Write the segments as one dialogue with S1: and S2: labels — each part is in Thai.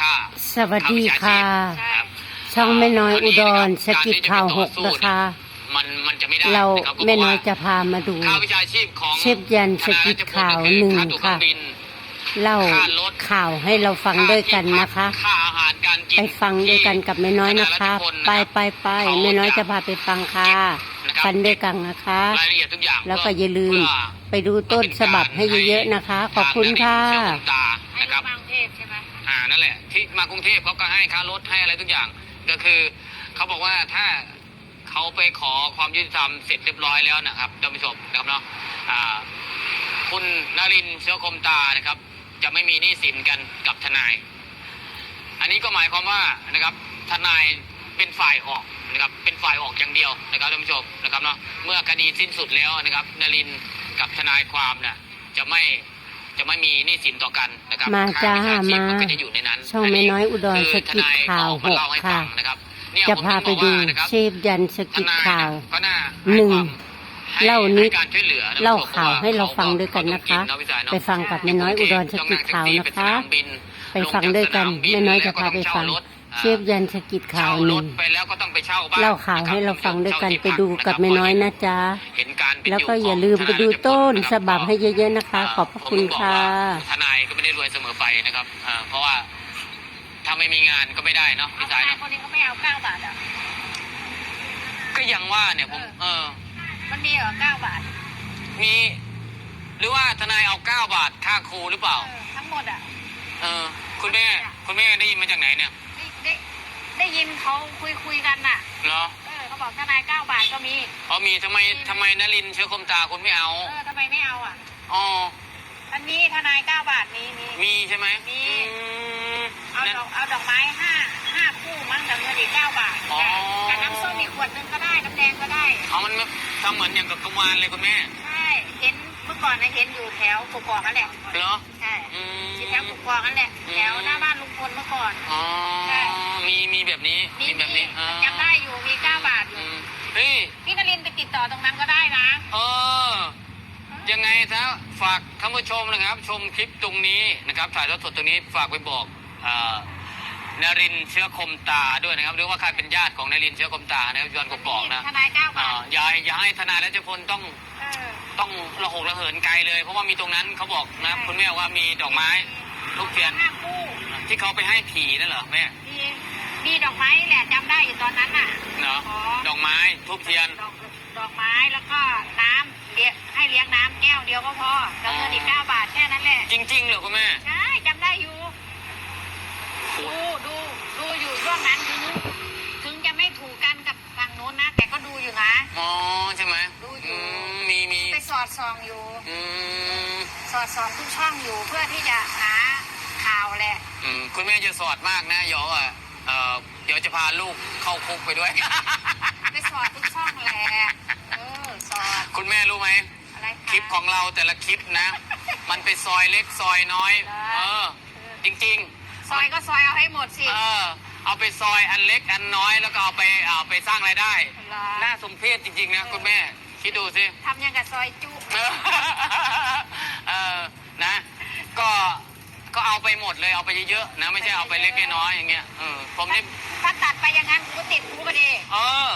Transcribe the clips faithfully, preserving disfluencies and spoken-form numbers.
S1: สวัสดีค่ะช่องแม่น้อยอุดรสกิจข่าวหกนะคะเราแม่น้อยจะพามาดูเชฟยันสกิจข่าวหนึ่งค่ะเล่าข่าวให้เราฟังด้วยกันนะคะไปฟังด้วยกันกับแม่น้อยนะคะไปไปไปแม่น้อยจะพาไปฟังค่ะฟังด้วยกันนะคะแล้วก็อย่าลืมไปดูต้นฉบับให้เยอะๆนะคะขอบคุณค่ะ
S2: นะครับมากรุงเทพใช่ไหมอ่านั่นแหละที่มากรุงเทพเขาก็ให้ค่ารถให้อะไรทุกอย่างก็คือเขาบอกว่าถ้าเขาไปขอความยุติธรรมเสร็จเรียบร้อยแล้วนะครับท่านผู้ชมนะครับเนาะอ่าคุณนรินทร์เชื้อคมตานะครับจะไม่มีหนี้สินกันกับทนายอันนี้ก็หมายความว่านะครับทนายเป็นฝ่ายออกนะครับเป็นฝ่ายออกอย่างเดียวนะครับท่านผู้ชมนะครับเนาะเมื่อคดีสิ้นสุดแล้วนะครับนรินทร์กับทนายความเนี่ยจะไม่จะไม่มีหนี้สินต่อกันนะครับ
S1: มาจ้ามาช่องแม่น้อยอุดรสกิจข่าวหกค่ะจะพาไปดูเชฟยันสกิจข่าวหนึ่งเล่านิดเล่าข่าวให้เราฟังด้วยกันนะคะไปฟังกับแม่น้อยอุดรสกิจข่าวนะคะไปฟังด้วยกันแม่น้อยจะพาไปฟังเชฟยันสกิจข่าวหนึ่งเล่าข่าวให้เราฟังด้วยกันไปดูกับแม่น้อยนะจ๊ะแล้วก็อย่าลืมไปดูต้นฉบับให้เยอะๆนะคะขอบพระคุณค่ะ
S2: ทนายก็ไม่ได้รวยเสมอไปนะครับเพราะว่าถ้าไม่มีงานก็ไม่ได้เนาะพี่ชายคนนี้เขาไม่เอาเก้าบาทอ่ะก็ยังว่าเนี่ยผมเออมันมีเหรอเก้าบาทมีหรือว่าทนายเอาเก้าบาทค่าครูหรือเปล่าทั้งหมดอ่ะเออคุณแม่คุณแม่ได้ยินมาจากไหนเนี่ยได้ได้ยินเขาคุยคุยกันน่ะเหรอเออเขาบอกทนายเก้าบาทก็มีอ๋อมีทำไมทำไมนรินทร์เชื้อคมตาคุณไม่เอาเออทำไมไม่เอาอ่ะอ๋ออันนี้ทนายเก้าบาทมีมีมีใช่ไหมมีเอาดอกเอาดอกไม้ห้าห้าคู่มั้งแต่เงินอีกเก้าบาทกับน้ำส้มอีกขวดนึงก็ได้น้ำแดงก็ได้เอามันทำเหมือนอย่างกับกวานเลยคุณแม่ใช่เห็นเมื่อก่อนนะเห็นอยู่แถวกุกอกนั่นแหละเหรอใช่ที่แถวกุกอกนั่นแหละแถวหน้าบ้านลุงพลเมื่อก่อนอ๋อใช่มีมีแบบนี้มีแบบนี้จำได้อยู่มีเก้าบาทอยู่เฮ้ยพี่นรินทร์ไปติดต่อตรงนั้นก็ได้นะเออยังไงซะฝากท่านผู้ชมนะครับชมคลิปตรงนี้นะครับถ่ายทอดสดตรงนี้ฝากไปบอกนรินทร์เชื้อคมตาด้วยนะครับหรือว่าใครเป็นญาติของนรินทร์เชื้อคมตานะครับย้อนกบบอกนะทนายเก้าบาทอย่าอย่าให้ทนายรัชพลต้องต้องระหกระเหินไกลเลยเพราะว่ามีตรงนั้นเขาบอกนะคุณแม่ว่ามีดอกไม้ลูกเทียนที่เขาไปให้ผีนั่นเหรอแม่มีมีดอกไม้แหละจำได้อยู่ตอนนั้นน่ะเนาะดอกไม้ทุบเทียนดอกไม้แล้วก็น้ำเลี้ยงให้เลี้ยงน้ำแก้วเดียวก็พอแล้วเงินอีกเก้าบาทแค่นั้นแหละจริงๆเหรอคุณแม่ใช่จำได้อยู่ดูดูดูอยู่ช่วงนั้นถึงถึงจะไม่ถูกกันกับทางโน้นนะแต่ก็ดูอยู่นะอ๋อใช่ไหมดูอยู่มีมีไปสอดส่องอยู่สอดส่องทุกช่องอยู่เพื่อที่จะหาข่าวแหละคุณแม่จะสอดมากนะเดี๋ยวอ่ะเดี๋ยวจะพาลูกเข้าคุกไปด้วยไปสอดทุกช่องแหละเออสอดคุณแม่รู้ไหมคลิปของเราแต่ละคลิปนะมันไปซอยเล็กซอยน้อยเออจริงๆซอยก็ซอยเอาให้หมดสิเออเอาไปซอยอันเล็กอันน้อยแล้วก็เอาไปเอาไปสร้างรายได้น่าสมเพชจริงๆนะคุณแม่คิดดูสิทำยังกับซอยจุเออนะก็ก็เอาไปหมดเลยเอาไปเยอะๆนะไม่ใช่เอาไปเล็กน้อยอย่างเงี้ยเออผมนี่ถ้าตัดไปอย่างนั้นกูติดคุกก็ดีเออ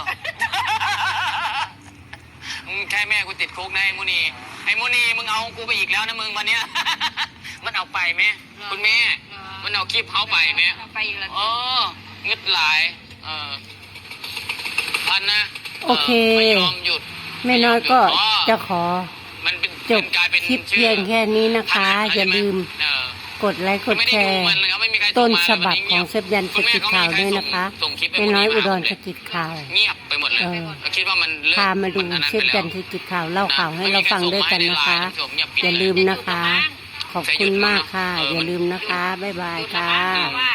S2: แค่แม่กูติดคุกนะไอ้มูนีไอ้มูนีมึงเอากูไปอีกแล้วนะมึงวันเนี้ยมันเอาไปไหมคุณแม่มันเอาคลิปเขาไปไหมไปอีกแล้วเอองึดหลายเออพันนะ
S1: โอเคไม่ยอมหยุดแม่น้อยก็จะขอจบคลิปเพียงแค่นี้นะคะอย่าลืมกดไลค์กดแชร์ต้นฉบับของเชฟยันสกิจข่าวด้วยนะคะแม่น้อยอุดรสกิจข่าว
S2: เงียบไปหมดเลยคิดว่ามัน
S1: พามาดูเชฟยันสกิจข่าวเล่าข่าวให้เราฟังด้วยกันนะคะอย่าลืมนะคะขอบคุณมากค่ะอย่าลืมนะคะบ๊ายบายค่ะ